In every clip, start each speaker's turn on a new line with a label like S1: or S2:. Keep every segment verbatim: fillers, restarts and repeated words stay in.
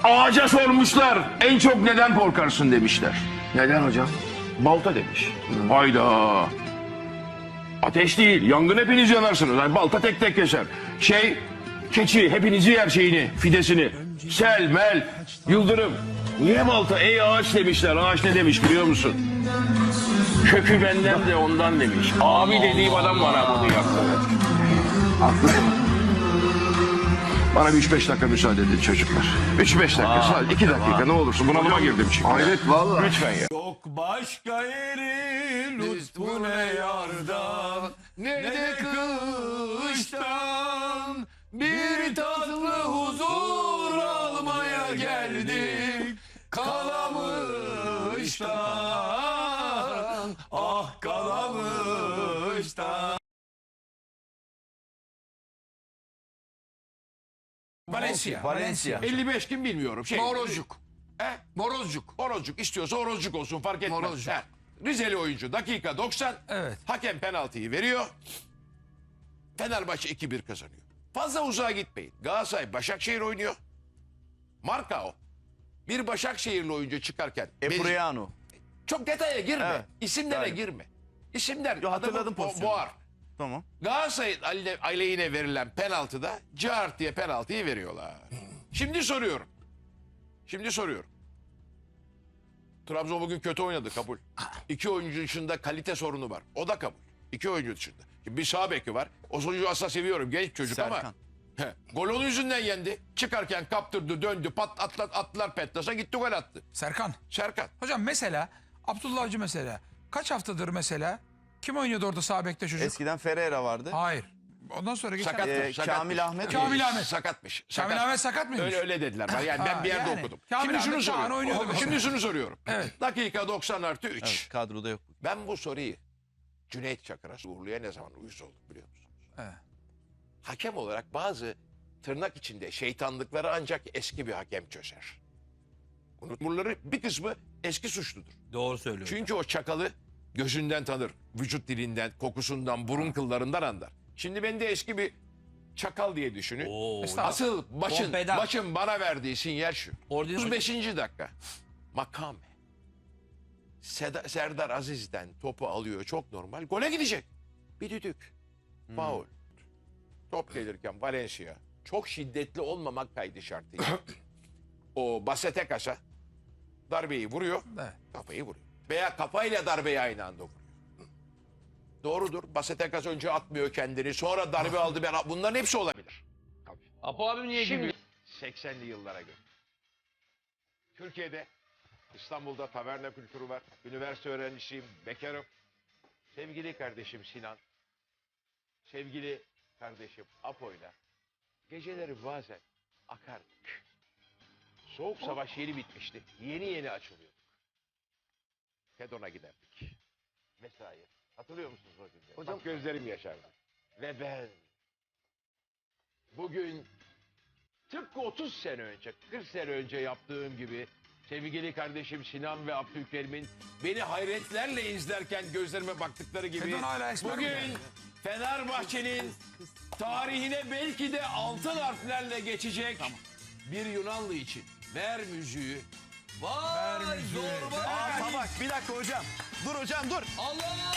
S1: Ağaca sormuşlar. En çok neden korkarsın demişler.
S2: Neden hocam?
S1: Balta demiş. Hayda. Ateş değil. Yangın hepiniz yanarsınız. Yani balta tek tek keser. Şey, keçi hepinizi yer şeyini, fidesini. Sel, mel, yıldırım. Niye balta? Ey ağaç demişler. Ağaç ne demiş biliyor musun? Kökü benden de ondan demiş. Abi dediğim adam bana bunu yaptı.
S2: Haklısın.
S1: Bana bir üç beş dakika müsaade edin çocuklar. üç beş dakika, sadece iki dakika ne olursun. Bunalıma girdim çünkü.
S2: Hayret vallahi.
S1: Lütfen ya.
S3: Yok başka yeri lütfu ne yardan ne de kıştan bir tatlı huzur almaya geldik Kalamış'tan, ah Kalamış'tan.
S4: Valencia.
S3: Valencia.
S4: elli beş kim bilmiyorum. Şey,
S3: Morozcuk.
S4: He?
S3: Morozcuk.
S4: Morozcuk istiyorsa Orozcuk olsun fark etmez.
S3: Morozcuk.
S4: He. Rizeli oyuncu dakika doksan.
S3: Evet.
S4: Hakem penaltıyı veriyor. Fenerbahçe iki bir kazanıyor. Fazla uzağa gitmeyin. Galatasaray Başakşehir oynuyor. Marka o. Bir Başakşehirli oyuncu çıkarken.
S5: Epriano.
S4: Çok detaya girme.
S5: Evet.
S4: İsimlere
S5: Galiba.
S4: girme. İsimler
S5: Yo, hatırladım
S4: adamı bo-
S5: pozisyonu.
S4: boğar.
S5: Tamam.
S4: Galatasaray'ın aleyhine- aleyhine verilen penaltıda cart diye penaltıyı veriyorlar. Şimdi soruyorum. Şimdi soruyorum. Trabzon bugün kötü oynadı, kabul. İki oyuncu dışında kalite sorunu var. O da kabul. İki oyuncu dışında. Şimdi bir sağ beki var. O oyuncuyu asla seviyorum. Genç çocuk ama.
S5: Serkan.
S4: He, gol onun yüzünden yendi. Çıkarken kaptırdı, döndü, pat atlar, attılar Petlas'a gitti gol attı.
S6: Serkan.
S4: Serkan.
S6: Hocam mesela Abdullah Avcı mesela kaç haftadır mesela kim oynuyordu orada sağ bekte çocuk?
S5: Eskiden Ferreira vardı.
S6: Hayır. Ondan sonra geçen
S4: Sakatmış,
S5: Ee,
S4: sakatmış.
S5: Kamil Ahmet.
S6: Kamil Ahmet.
S4: Sakatmış.
S6: Kamil
S4: sakat.
S6: Ahmet sakat mıymış?
S4: Öyle öyle dediler. Ben- Yani ben
S6: Ha,
S4: bir yerde
S6: yani.
S4: okudum.
S6: Kamil
S4: Şimdi şunu
S6: Ahmet Çağan
S4: soruyorum.
S6: oynuyordu mesela.
S4: Şimdi şunu soruyorum.
S6: Evet.
S4: Dakika doksan artı üç.
S5: Evet, kadroda yok.
S4: Ben bu soruyu Cüneyt Çakır'a Uğurlu'ya ne zaman uyuz olduk biliyor musunuz?
S6: Evet.
S4: Hakem olarak bazı tırnak içinde şeytanlıkları ancak eski bir hakem çözer. Bunları bir kısmı eski suçludur.
S3: Doğru söylüyor.
S4: Çünkü o çakalı gözünden tanır. Vücut dilinden, kokusundan, burun kıllarından anlar. Şimdi ben de eski bir çakal diye düşünün.
S6: Estağfurullah.
S4: Asıl başın,
S3: Pompeda.
S4: başın bana verdiği sinyal şu.
S3: Ordin-
S4: otuz beşinci dakika. Makame. Seda- Serdar Aziz'den topu alıyor. Çok normal. Gole gidecek. Bir düdük. Faul. Top gelirken Valencia çok şiddetli olmamak kaydı şartıyla. O Basete Kasa darbeyi vuruyor.
S6: Evet.
S4: Kafayı vuruyor. Veya kafayla darbeyi aynı anda vuruyor. Doğrudur. Basete Kasa önce atmıyor kendini. Sonra darbe aldı. Ben, bunların hepsi olabilir.
S3: Apo abim niye
S4: Şimdi seksenli yıllara göre. Türkiye'de İstanbul'da taverna kültürü var. Üniversite öğrencisiyim, bekarım. Sevgili kardeşim Sinan, sevgili kardeşim Apo'yla geceleri bazen akardık. Soğuk savaş yeni bitmişti. Yeni yeni açılıyorduk. Fedon'a giderdik. Mesai. Hatırlıyor musunuz o günleri?
S2: Hocam-
S4: Bak gözlerim yaşardı. Ve ben bugün tıpkı otuz sene önce, kırk sene önce yaptığım gibi sevgili kardeşim Sinan ve Abdülkerim'in beni hayretlerle izlerken gözlerime baktıkları gibi
S6: Fedon hala esmer
S4: bugün
S6: mi?
S4: Fenerbahçe'nin tarihine belki de altın harflerle geçecek bir Yunanlı için ver müziği.
S3: Vay zorba.
S5: Aa, bak bir dakika hocam. Dur hocam dur.
S3: Allah!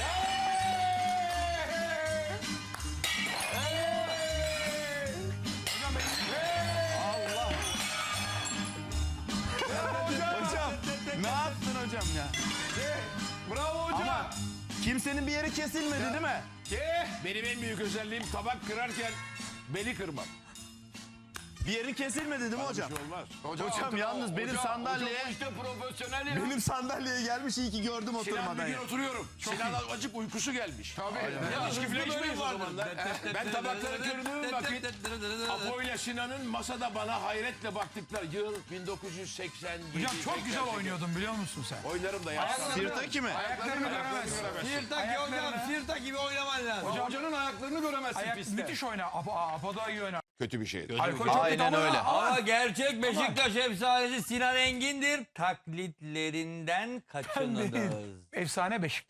S5: Hocam ne yaptın hocam ya?
S4: Bravo hocam.
S5: Ama kimsenin bir yeri kesilmedi değil mi?
S4: Eh, benim en büyük özelliğim tabak kırarken beli kırmam.
S5: Bir yerin kesilmedi değil mi hocam?
S4: Bir şey olmaz.
S5: Hocam yalnız benim sandalyeye
S3: işte profesyonel ya.
S5: benim sandalyeye gelmiş iyi ki gördüm
S4: Sinan bir
S5: oturmadan
S4: gün
S5: ya.
S4: oturuyorum. Sinan azıcık uykusu gelmiş. Tabii. İçki falan içmeyiz o zamanlar. Eh, Ben tabakları kırdığım vakit Apo ile Sinan'ın masada bana hayretle baktıkları yıl bin dokuz yüz seksen yedi.
S6: Hocam çok güzel oynuyordun biliyor musun sen?
S4: Oynarım da yaşlandım.
S5: Sirtaki mi?
S6: Ayaklarını göremezsin.
S3: Sirtaki hocam, Sirtaki gibi oynaman lazım.
S4: Hocanın ayaklarını göremezsin
S6: Ayak, müthiş oyna. Apo, Apo da iyi oynar.
S4: Kötü bir şeydi.
S6: Alkol çok
S5: Aynen
S6: kötü ama-
S5: öyle.
S6: ama-
S3: Ama gerçek Beşiktaş efsanesi Sinan Engin'dir. Taklitlerinden kaçınınız.
S6: Efsane Beşiktaş'tır.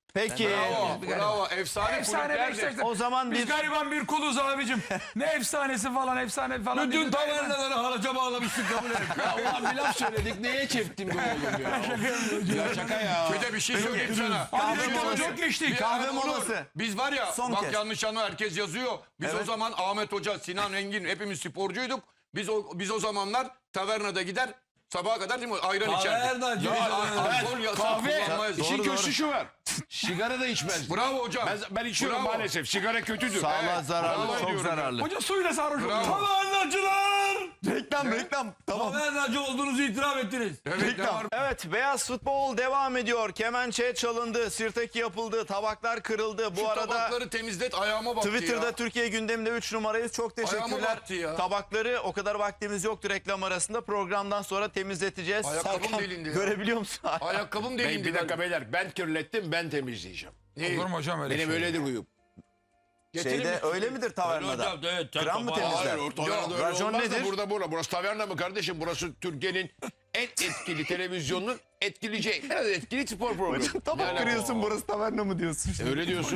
S5: Peki.
S3: Bravo, bravo. Efsane,
S6: Efsane
S3: kulüplerdir.
S6: Beşiktaş'ta.
S5: O zaman
S6: Biz
S5: bir
S6: gariban bir kuluz abicim. Ne efsanesi falan efsane falan.
S3: Bütün
S6: dedi.
S3: tavernaları haraca bağlamıştık kabul et.
S1: Ya ulan bir laf söyledik neye çektim be oğlum ya. Ya şaka ya.
S3: Bir de bir şey söyleyeyim sana.
S6: Hadi
S3: Bir şey
S6: bakalım,
S3: söyleyeyim.
S6: çok geçtik.
S3: Bir-
S5: Kahve
S3: Evet, olur.
S5: molası.
S3: Biz var ya
S5: Son
S3: bak
S5: kez.
S3: yanlış anlama herkes yazıyor. Biz
S5: Evet.
S3: o zaman Ahmet Hoca, Sinan Engin hepimiz sporcuyduk. Biz o biz o zamanlar tavernada gider sabaha kadar değil mi ayran içerdik.
S7: Tavernacı.
S3: Ya,
S7: Ya,
S3: alkol yasak
S1: Kahve
S3: kullanmayız.
S1: işin
S5: Doğru,
S1: kötüsü
S5: doğru.
S1: şu var. Sigara da içmez.
S3: Bravo hocam.
S1: Ben, ben içiyorum
S3: Bravo.
S1: maalesef. Sigara kötüdür.
S5: sağlığa
S1: Evet,
S5: zararlı,
S1: bravo
S5: çok
S1: diyorum ya.
S5: zararlı.
S6: Hoca suyla sarhoş oldu.
S3: Bravo.
S7: Tavernacılar.
S5: Reklam, reklam. Tamam.
S7: Tavernacı olduğunuzu itiraf ettiniz.
S3: Evet, ne
S5: Reklam.
S3: var?
S5: Evet, beyaz futbol devam ediyor. Kemençe çalındı, sirtaki yapıldı, tabaklar kırıldı. Bu
S3: Şu
S5: arada
S3: tabakları temizlet ayağıma baktı
S5: Twitter'da
S3: ya.
S5: Türkiye gündeminde üç numarayız. Çok
S3: Ayağıma
S5: teşekkürler.
S3: baktı ya.
S5: Tabakları o kadar vaktimiz yoktu reklam arasında. Programdan sonra temizleteceğiz.
S3: Ayakkabım
S5: Serkan,
S3: delindi ya.
S5: görebiliyor musun?
S3: Ayakkabım
S1: Bey,
S3: delindi.
S1: bir dakika beyler ben kirlettim ben temizleyeceğim.
S3: Neyi?
S6: Olur mu hocam öyle
S1: Benim
S6: şey?
S1: öyledir huyum.
S5: Şeyde öyle midir tavernada?
S7: Hocam, evet,
S5: Kıran mı
S7: tabağı-
S5: temizler?
S1: Hayır ortada
S3: Yok,
S1: öyle
S5: racon
S1: olmaz da
S5: nedir?
S1: burada burada. Burası taverna mı kardeşim? Burası Türkiye'nin en etkili televizyonun etkili en etkili spor programı.
S5: Tabak
S1: Yani-
S5: kırıyorsun, burası taverna mı diyorsun?
S1: Öyle diyorsun.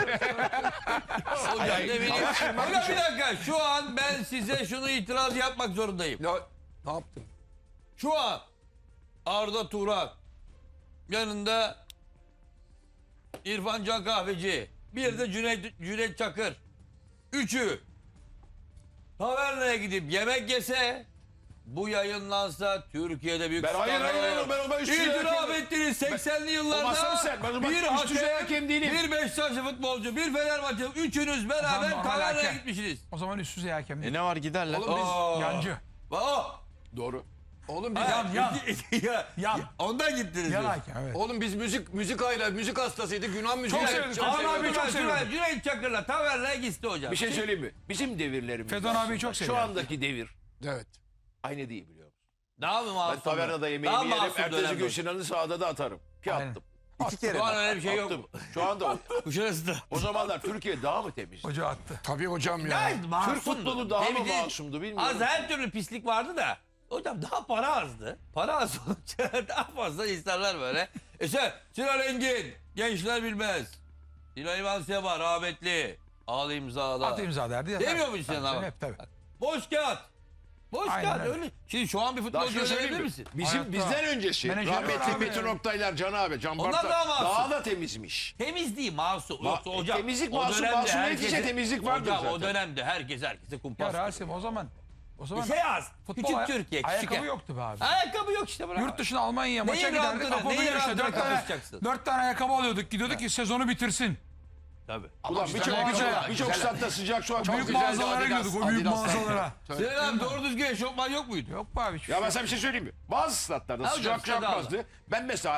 S7: Hocam ne bileyim. Hocam bir dakika. Şu an ben size şunu itiraz yapmak zorundayım.
S3: Ya, ne yaptın?
S7: Şu an Arda Turan yanında İrfan Can Kahveci, bir de Cüneyt, Cüneyt Çakır. Üçü tavernaya gidip yemek yese, bu yayınlansa Türkiye'de büyük
S1: Ben- hayır,
S7: skandal
S1: hayır, hayır,
S7: olur.
S1: ben o- ben üst düzey
S7: İtiraf
S1: hakem-
S7: ettiniz seksenli
S1: O
S7: yıllarda
S1: masam sen, ben o bak
S7: bir
S1: üst düzey
S7: hakem,
S1: hakem değilim.
S7: bir Beşiktaşlı futbolcu, bir Fenerbahçe, üçünüz beraber
S6: normal
S7: tavernaya
S6: hakem.
S7: gitmişsiniz.
S6: O zaman üst düzey hakem
S5: E
S6: değil.
S5: ne var, giderler.
S3: Oğlum biz...
S7: Aa.
S6: Yancı.
S7: Aa,
S1: Doğru.
S3: Oğlum biz...
S6: Yan, yan.
S7: ya,
S6: Yan.
S7: ondan gittiniz.
S6: Yan
S7: diyorsun.
S6: hakem evet.
S3: Oğlum biz müzik müzik ayla müzik hastasıydık. Yunan müziği.
S6: Çok sevdim, çok
S7: Ama
S6: sevdim.
S7: abi çok
S6: Çok
S7: seviyorum. Cüneyt Çakır'la tavernaya gitti hocam.
S1: Bir şey söyleyeyim mi? Bizim devirlerimiz.
S6: Fedon
S1: aslında.
S6: abiyi çok
S1: Şu
S6: seviyorum.
S1: andaki devir
S3: Evet.
S1: aynı değil biliyor musun?
S7: Daha mı
S1: Ben
S7: masum?
S1: tavernada
S7: Daha
S1: yemeğimi yerim.
S7: masum
S1: Ertesi gün
S7: dönemde.
S1: Sinan'ı sahada da atarım. Ki
S6: Aynen.
S1: attım.
S5: İki kere.
S7: Şu an öyle bir şey yok.
S1: Attım. Şu anda
S7: Kuşarası
S1: o zamanlar Türkiye daha mı temiz?
S6: Hoca attı.
S3: Tabii hocam ya.
S1: Türk futbolu daha mı masumdu bilmiyorum.
S7: Az her türlü pislik vardı da. Hocam daha para azdı. Para az olunca daha fazla insanlar böyle. E sen Sinan Engin, gençler bilmez. Sinan İvan Seba rahmetli. Al imzala.
S6: At imza derdi. ya.
S7: Demiyor musun Sinan
S6: Tabii,
S7: abi?
S6: Hep tabii.
S7: Boş kağıt. Boş
S6: Aynen
S7: kağıt
S6: öyle.
S7: öyle. Şimdi şu an bir
S1: Daha
S7: futbolcu
S1: şunu
S7: öyle
S1: söyleyeyim
S7: bilir
S1: mi?
S7: misin?
S1: Bizim
S6: Hayatta.
S1: bizden öncesi
S6: Menajeri var
S1: rahmetli
S6: abi.
S1: Metin Oktaylar, Can abi, Can
S7: Onlar
S1: Bartak
S7: daha masum.
S1: daha da temizmiş.
S7: Temiz değil masum.
S1: Ma-
S7: Yoksa hocam.
S1: temizlik
S7: o
S1: masum,
S7: dönemde
S1: masumiyet içe temizlik vardır
S7: hocam, o
S1: zaten.
S7: dönemde herkes herkese kumpas.
S6: Ya Rasim o zaman o zaman
S7: şey az.
S6: futbol
S7: Küçük
S6: aya-
S7: Türkiye. Küçük
S6: ayakkabı
S7: yer.
S6: yoktu be abi.
S7: Ayakkabı yok işte. Bravo.
S6: Yurt dışına Almanya'ya maça
S7: Neyin
S6: giderdik.
S7: rahatına,
S6: Apo
S7: neyin
S6: biliyor işte
S7: rahatına
S6: dört tane,
S7: kapışacaksın?
S6: dört tane ayakkabı alıyorduk. Gidiyorduk ki sezonu bitirsin.
S7: Tabii.
S1: Ulan birçok
S6: güzel,
S1: birçok
S6: güzel.
S1: birçok statta sıcak su çok
S6: Büyük
S1: güzel.
S6: mağazalara gidiyorduk. O büyük mağazalara.
S7: Sinan abi doğru düzgün eşofman yok muydu?
S6: Yok be abi. hiçbir
S1: Ya
S6: şey
S1: ben
S6: yok.
S1: sana bir şey söyleyeyim mi? Bazı statlarda
S7: Ha hocam,
S1: sıcak
S7: stada
S1: çarpmazdı. Ben mesela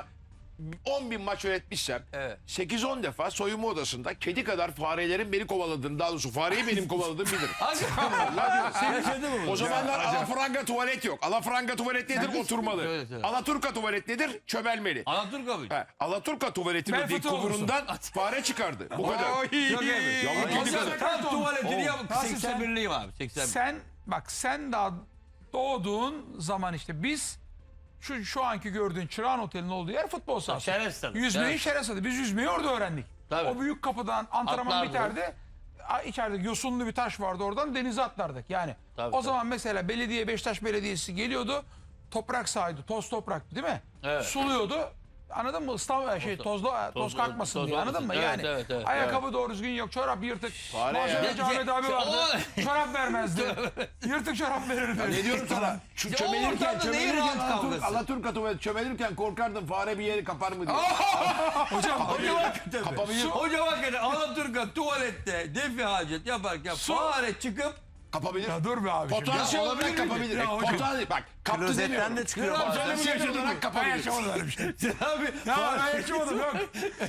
S1: on bin maç yönetmişsem
S7: Evet.
S1: sekiz on defa soyunma odasında kedi kadar farelerin beni kovaladığını, daha doğrusu fareyi benim kovaladığımı bilirim.
S7: Hakikaten yaşadı mı bu?
S1: O zamanlar alafranga tuvalet yok. Alafranga tuvalet nedir? Oturmalı.
S7: Söyle, söyle.
S1: Alaturka tuvalet nedir? Çömelmeli.
S7: Alaturk abi.
S1: Ha, Alaturka tuvaletinin
S6: Bel
S1: dik
S6: fıtığı olursun.
S1: kumurundan fare çıkardı. Bu kadar.
S7: Yok evet.
S1: Yavru kedi
S6: Nasıl-
S1: kadar.
S7: Tam tuvaletini yapıp
S6: Nasıl
S7: seksen birliyim abi. seksen bir.
S6: Sen bak sen daha doğduğun zaman işte biz şu şu anki gördüğün Çırağan Oteli'nin olduğu yer futbol sahası.
S7: Şeref stadı.
S6: Yüzmeyi
S7: Şeref.
S6: şeref stadı. Biz yüzmeyi orada öğrendik.
S7: Tabii.
S6: O büyük kapıdan antrenman
S7: Atlardı.
S6: biterdi. A- İçeride yosunlu bir taş vardı, oradan denize atlardık. Yani
S7: Tabii,
S6: o
S7: tabii.
S6: zaman mesela belediye, Beşiktaş Belediyesi geliyordu. Toprak sahaydı, toz topraktı değil mi?
S7: Evet.
S6: Suluyordu. Anladın mı? Islan şey tozlu toz,
S7: toz-
S6: kalkmasın
S7: toz
S6: diye. Anladın mı?
S7: olmasın. Evet,
S6: Yani
S7: evet, evet.
S6: ayakkabı doğru düzgün yok, çorap yırtık.
S1: Fare ya.
S6: Malzemeci Ahmet abi vardı.
S7: O-
S6: Çorap vermezdi. Yırtık çorap verirdi.
S1: Ne diyorum sana? Şu
S7: o
S1: çömelirken,
S7: ortamda neyin
S1: çömelirken
S7: rahat
S1: Alaturk,
S7: kavgası?
S1: Alaturka tuvalet çömelirken korkardım fare bir yeri kapar mı diye.
S6: Hocam
S7: Hocam hakikaten.
S1: Kapabilir.
S7: Hocam hakikaten Alaturka tuvalette defi hacet yaparken fare çıkıp
S1: Kapabilir.
S6: ya dur be abi.
S1: Potansiyel
S7: Ya
S1: olarak
S7: olabilir mi?
S1: kapabilir.
S6: Ya hocam.
S1: Potansiyel bak kaptı
S5: Klozetten
S1: demiyorum.
S5: de çıkıyor
S7: Kral
S5: bazen.
S1: Canımı yaşadırarak
S6: Ben
S1: kapabilir.
S6: yaşamadım öyle bir şey.
S7: abi
S6: Ya ben yaşamadım yok.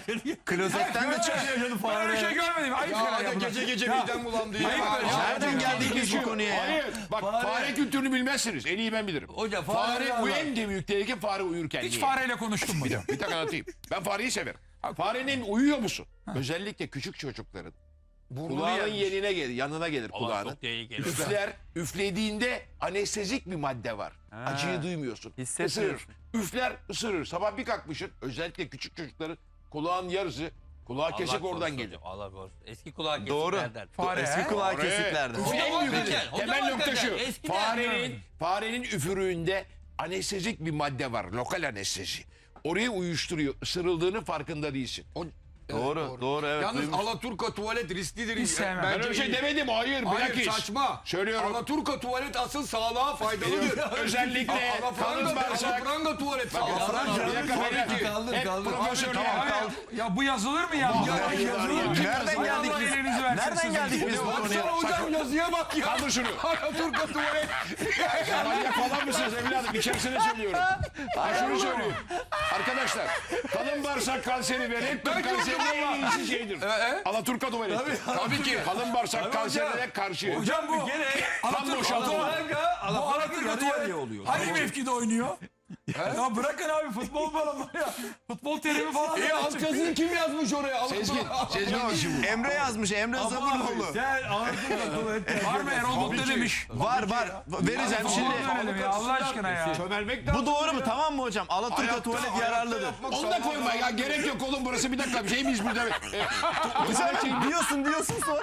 S5: Klozetten de çıkıyor.
S6: Ben öyle bir şey görmedim. Ayıp
S3: Ya
S6: şeyler
S3: hadi
S6: yapılan.
S3: gece gece
S6: Ya,
S3: midem bulandı ya.
S6: Ayıp
S3: Ya,
S6: böyle.
S5: Nereden geldik biz bu konuya ya?
S1: Hayır. Bak fare, kültürünü bilmezsiniz. En iyi ben bilirim.
S7: Hocam,
S1: fare,
S7: fare
S1: bu
S7: var.
S1: en de büyük tehlike fare uyurken.
S6: Hiç
S1: Niye?
S6: fareyle konuştum mu?
S1: Bir dakika, bir dakika anlatayım. Ben fareyi severim. Farenin uyuyor musun? Özellikle küçük çocukların. Kulağının yenine gelir, yanına gelir kulağının.
S7: çok tehlikeli.
S1: Üfler, üflediğinde anestezik bir madde var. Acıyı duymuyorsun.
S5: Hissetmiyorsun.
S1: Isırır. Üfler, ısırır. Sabah bir kalkmışsın, özellikle küçük çocukların
S4: Kulağın yarısı. Kulağı kesik
S7: Allah
S4: oradan
S7: korusun
S4: gelir.
S7: hocam, Allah korusun. Eski kulağı
S5: Doğru.
S7: kesiklerden.
S6: Fare,
S5: Eski
S6: he?
S5: kulağı
S4: Fare.
S5: kesiklerdi.
S7: Hocam
S4: En büyük
S7: hakikaten, hocam
S4: temel nokta şu.
S7: hakikaten, eskiden-
S4: Farenin, farenin üfürüğünde anestezik bir madde var. Lokal anestezi. Orayı uyuşturuyor. Isırıldığının farkında değilsin.
S3: O-
S5: Doğru, doğru, evet.
S3: Yalnız
S5: duymuş.
S3: Alaturka tuvalet risklidir.
S6: Hiç sevmem.
S1: Ben öyle bir şey demedim. Hayır.
S3: Hayır
S1: bilakis.
S3: saçma.
S1: Söylüyorum.
S3: Alaturka tuvalet asıl sağlığa faydalıdır.
S1: Özellikle kalın
S3: Alafranga,
S1: bağırsak.
S3: alafranga tuvalet sağlığa.
S1: Bir dakika beyler.
S7: Kaldır,
S1: Hep
S7: kaldır.
S1: profesörler.
S6: Ya bu yazılır mı ya?
S1: Ya, yazılır.
S5: Nereden geldik
S6: Allah
S5: biz?
S6: elinizi versin
S5: Nereden
S6: sizin.
S5: geldik biz bu konuya?
S3: Baksana hocam yazıya bak ya.
S1: Kaldır şunu.
S3: Alaturka tuvalet.
S1: Manyak falan mısınız evladım? İçerisine söylüyorum. Ha şunu söyleyeyim. Arkadaşlar kalın bağırsak kanseri ve rektum kanserinin en iyisi şeydir. Alaturka tuvaleti.
S3: Tabii ki.
S1: Kalın bağırsak kanserine karşı.
S6: Hocam bu
S1: Kan boşaltımı.
S6: bu Alaturka tuvalet oluyor. Hangi mevkide oynuyor? Ya bırakın abi futbol falan var ya. Futbol terimi falan.
S3: E alt yazıyı kim yazmış oraya?
S1: Sezgin. Sezgin işi bu.
S5: Emre yazmış, Emre Zaburoğlu.
S7: Sen Alaturka tuvalet.
S6: Var mı Erol Bulut ne demiş?
S5: Var var, vereceğim şimdi.
S6: Verelim ya Allah aşkına ya.
S1: Çömelmek lazım.
S5: Bu doğru mu? Tamam mı hocam? Alaturka tuvalet yararlıdır.
S1: Onu da koyma ya. Gerek yok oğlum burası. Bir dakika bir şey miyiz burada?
S5: Hocam diyorsun diyorsun sonra.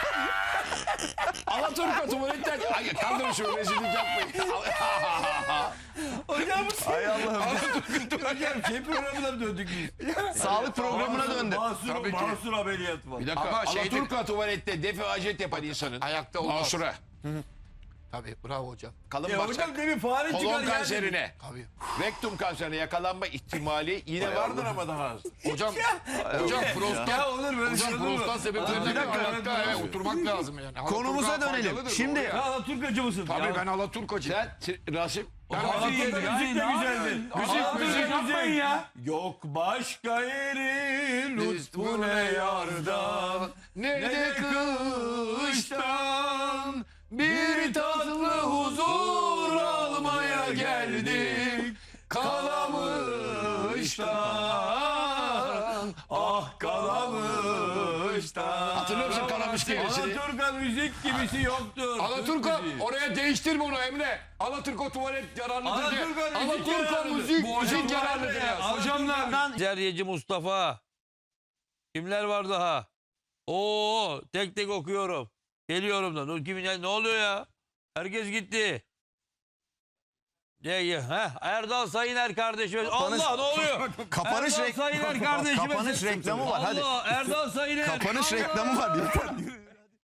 S1: Alaturka tuvaletten. Ay kaldırın şu rezillik yapmayın.
S5: Ay Allah'ım.
S7: Hocam şey programına mı döndük biz?
S5: Sağlık programına döndü.
S7: Mahsur, mahsur ameliyatı var.
S1: Bir dakika.
S3: Ama şeydir-
S1: Alaturka tuvalette defaacet yapan insanın.
S3: Ayakta olmaz.
S1: Masura.
S3: Tabii bravo hocam.
S1: Kalın
S7: Ya
S1: bağırsak.
S7: hocam demin fare çıkar
S1: Kolon
S7: yani.
S1: kanserine.
S3: Tabii.
S1: Rektum kanserine yakalanma ihtimali yine vardır ama daha az.
S3: Hocam hocam prostat.
S7: Ya olur böyle şey
S3: Hocam
S7: olur mu?
S3: prostat sebeplerinden
S7: Bir dakika,
S3: ayakta
S7: evet,
S3: evet,
S7: evet.
S3: oturmak lazım yani.
S5: Konumuza
S3: Alaturka
S5: dönelim.
S3: faydalıdır,
S5: Şimdi-
S3: doğru ya.
S7: Ya Alaturkacı mısın?
S3: Tabii
S7: Ya.
S3: ben Alaturkacıyım.
S1: Sen Rasim.
S3: Ben
S7: Alaturka
S3: Alaturka
S7: müzik de güzeldi.
S6: Müzik müzik yapmayın ya.
S7: Yok başka yeri lütfu ne yardan
S3: ne de kıştan bir tatlı huzur almaya geldik Kalamış'tan
S7: ah Kalamış'tan.
S1: Hatırlıyor musun Kalamış kelimesini?
S7: Alaturka müzik gibisi yoktur.
S3: Alaturka
S7: Türk müziği.
S3: oraya değiştirme onu Emre. Alaturka tuvalet yararlıdır diye.
S7: Alaturka müzik
S3: Alaturka
S7: yararlıdır.
S3: müzik,
S6: Bu
S3: müzik
S6: hocam
S3: yararlıdır ya.
S6: Hocamlar.
S7: Zeryeci Mustafa. Kimler var daha? Oo, tek tek okuyorum. Geliyorum da. Dur, kimin ne oluyor ya? Herkes gitti. Ne ha? Erdal Sayıner kardeşimiz. Allah ne oluyor?
S5: Kapanış
S7: Erdal
S5: rek-
S7: Sayıner kardeşimiz.
S5: Kapanış reklamı var, hadi.
S7: Allah Erdal Sayıner.
S5: Kapanış reklamı var. Yeter.